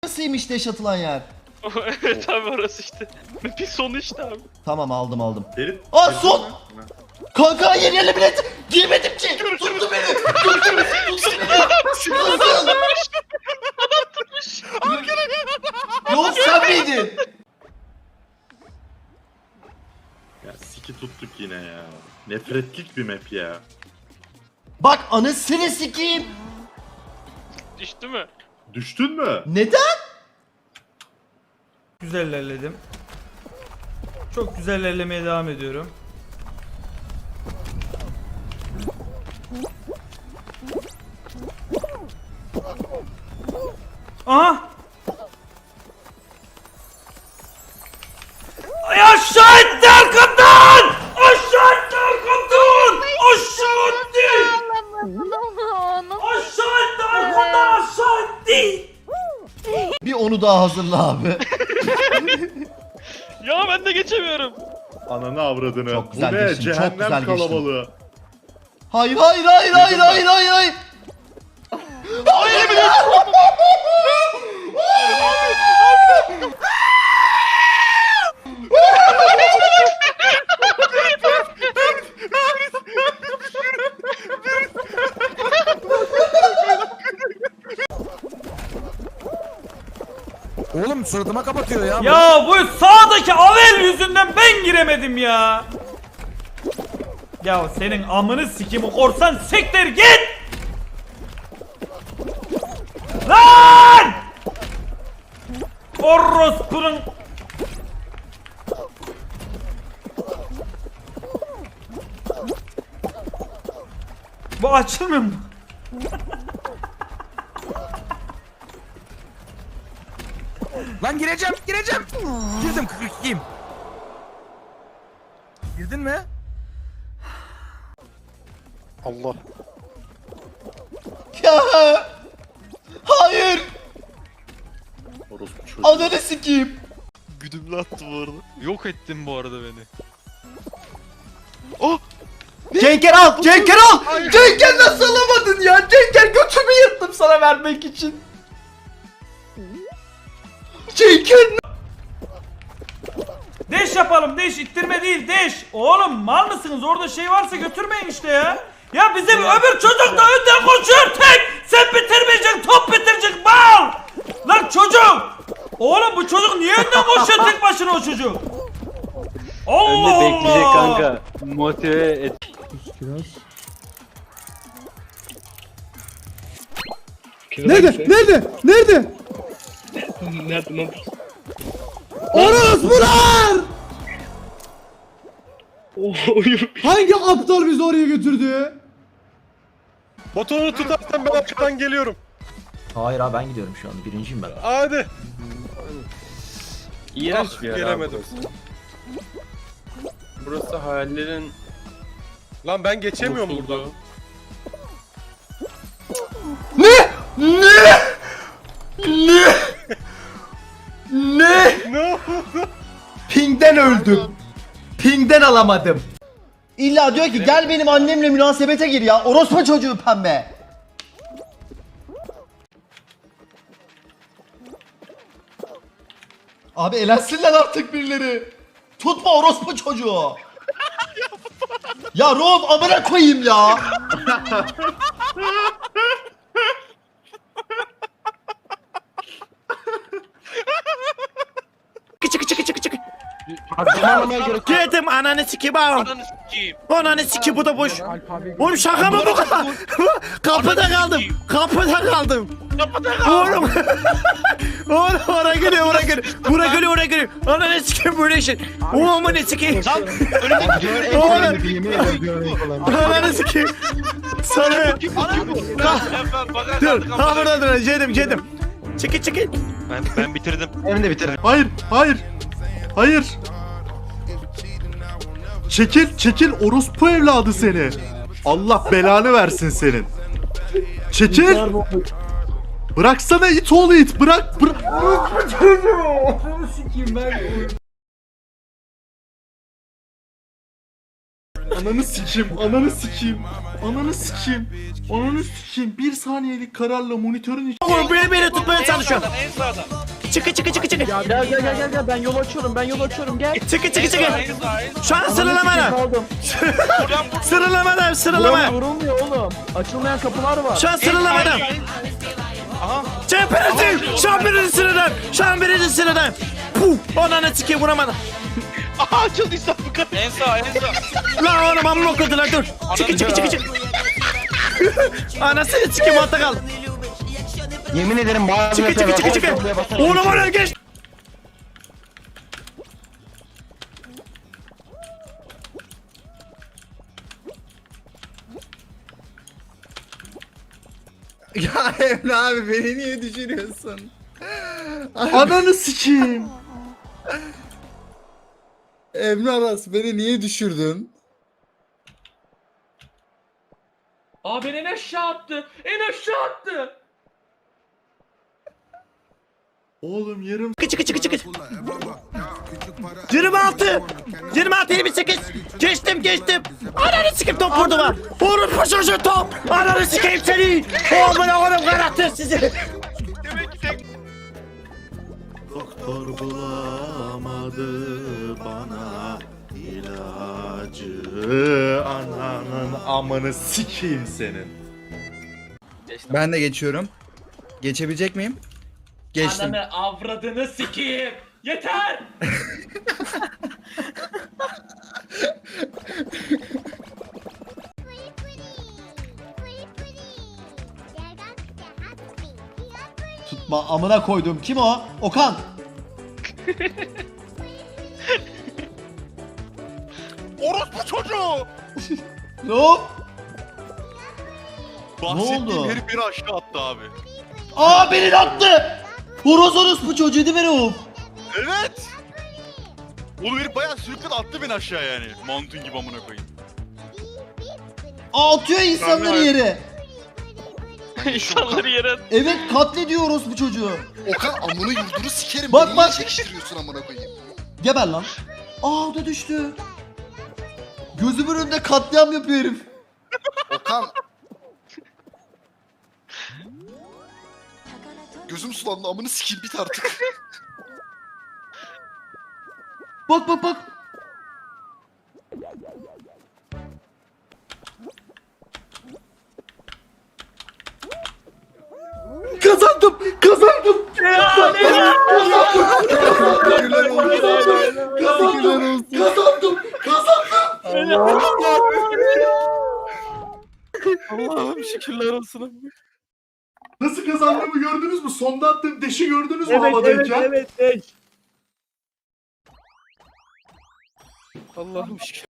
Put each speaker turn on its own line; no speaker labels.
Nasılymış deş atılan yer?
Evet abi orası işte. Bir sonu işte abi.
Tamam aldım.
Derin.
Aa son! Kanka yeni yerle bilet! Girmedim ki! Tuttu beni! Tuttu beni! Nasıl? Yok sen miydin?
Ya siki tuttuk yine ya. Nefretlik bir map ya.
Bak anasını sikeyim!
Düştü mü?
Düştün mü?
Neden?
Güzel ilerledim. Çok güzel ilerlemeye devam ediyorum. Aha! Ay aşağı etti arkamdan! Aşağı etti arkamdan! Aşağı etti! Aşağı etti arkamdan aşağı etti!
Bir onu daha hazırla abi.
Ya ben de geçemiyorum.
Ananı avradını.
Çok güzel
Bu ne?
geçtin, çok
Cehennem
güzel geçtin.
kalabalığı.
Hayır. Hayır.
Oğlum suratıma kapatıyor ya.
Ya bu sağdaki Avel yüzünden ben giremedim ya. Ya senin amını sikimi korsan siktir git. Lan! Orospunun. Bu açılmıyor mu?
Lan gireceğim. Girdim 42'yim. Girdin mi?
Allah.
Ya! Hayır!
Orospu çocuğu.
Ananı sikeyim.
Güdümlü attı bu arada.
Yok ettin bu arada beni.
Cenker al! Cenker nasıl alamadın ya? Cenker götümü yırttım sana vermek için. Cenker
Deş yapalım deş ittirme değil deş. Oğlum mal mısınız orada şey varsa götürmeyin işte ya. Ya bizim öbür çocuk da önden koşuyor tek. Sen bitirmeyeceksin top bitirecek mal. Lan çocuk. Oğlum bu çocuk niye önden koşuyor tek başına o çocuk? Allah
Önde bekleyecek
Allah.
kanka. Motive et.
Nerede?
Nerede lan?
Orospular! Hangi aptal bizi oraya götürdü?
Botonu tutarsan ben arkadan geliyorum.
Hayır abi ben gidiyorum şu an. Birinciyim ben.
Hadi.
İğrenç bir yer abi
Gelemedim.
burası. Burası hayallerin
Lan ben geçemiyorum buradan.
mutluluğu.
ne?
Ne?
Ping'den öldüm. Ping'den alamadım. İlla diyor ki gel benim annemle münasebete gir ya. Orospu çocuğu pembe. Abi elensinler artık birileri. Tutma orospu çocuğu. Ya Rob amına koyayım ya.
Girdim ananı sikeyim ağam.
Ananı sikeyim.
Ananı sikeyim bu da boş. Oğlum şaka mı bu kadar? Kapıda kaldım. Oğlum. Oğlum oraya geliyor. Buraya geliyor. Ananı sikeyim böyle şey. Oğlum ne sikeyim. Oğlum. Ananı sikeyim. Sana. Dur. Ha burada dur. Cedim. Çekil.
Ben bitirdim.
Hayır. Çekil orospu evladı seni. Allah belanı versin senin. Çekil. Bıraksana it oğlu it. Bırak. Ananı sikeyim, ananı sikeyim. Ananı sikeyim. Ananı sikeyim. Bir saniyelik kararla monitörün iç...
Oğlum beni tutmaya çalışıyor.
En sağdan.
Çıkı çıkı çıkı çıkı.
Gel ben yol açıyorum gel.
Çıkı çıkı çıkı.
En sağ.
Şu an sıralamada.
Kaldım.
Sıralamada sıralama.
Vurulmuyor oğlum. Açılmayan kapılar var.
Şu an sıralamada. Şu an birinci sıradan. Şu an birinci sıradan. Puh. Ananı sikeyim vuramadım.
Aha açıldıysa bu kadar. En sağ en sağ.
Lan oğlum amma okudular dur. Çıkı çıkı çıkı çıkı. Anasını sikeyim altta kal.
Yemin ederim bazı
Çıkı çıkı çıkı çıkı. Oğlum oraya geç.
Ya Emre abi beni niye düşürüyorsun?
Ananı sikeyim.
Emre Aras beni niye düşürdün?
Aa beni en aşağı attı. En aşağı attı.
Oğlum yarım...
Çıkı çıkı çıkı çıkı. 26. 26 28. Geçtim. Ananı sikeyim top vurdu var. Vurun paşaşı top. Ananı sikeyim seni. Oğlum oğlum karakter sizi.
Doktor bulamadı bana ilacı. Ananın amını sikeyim senin.
Ben de geçiyorum. Geçebilecek miyim? Geçtim.
Ananı avradını sikeyim. Yeter.
Tutma amına koydum. Kim o? Okan.
Orospu çocuğu!
Ne o?
Bahsettiğim
oldu?
herif beni aşağı attı abi.
Aa beni attı. Horoz bu çocuğu değil mi Rauf?
Evet! Oğlum herif bayağı sürükledi attı beni aşağı yani. Mantun gibi amına koyayım.
Aa, atıyor insanları
Abi,
yere.
İnsanları yere at.
Evet katlediyor bu çocuğu.
Okan amını yurdunu sikerim.
Bak,
Beni
bak.
niye çekiştiriyorsun amına koyayım?
Geber lan. Aa o da düştü. Gözümün önünde katliam yapıyor herif.
Okan. Gözüm sulandı amını sikeyim bit artık.
Bak.
Kazandım.
Allah'ım şükürler olsun.
Nasıl kazandığımı gördünüz mü? Sonda attığım deşi gördünüz mü havadayken?
Allah'ım şükür.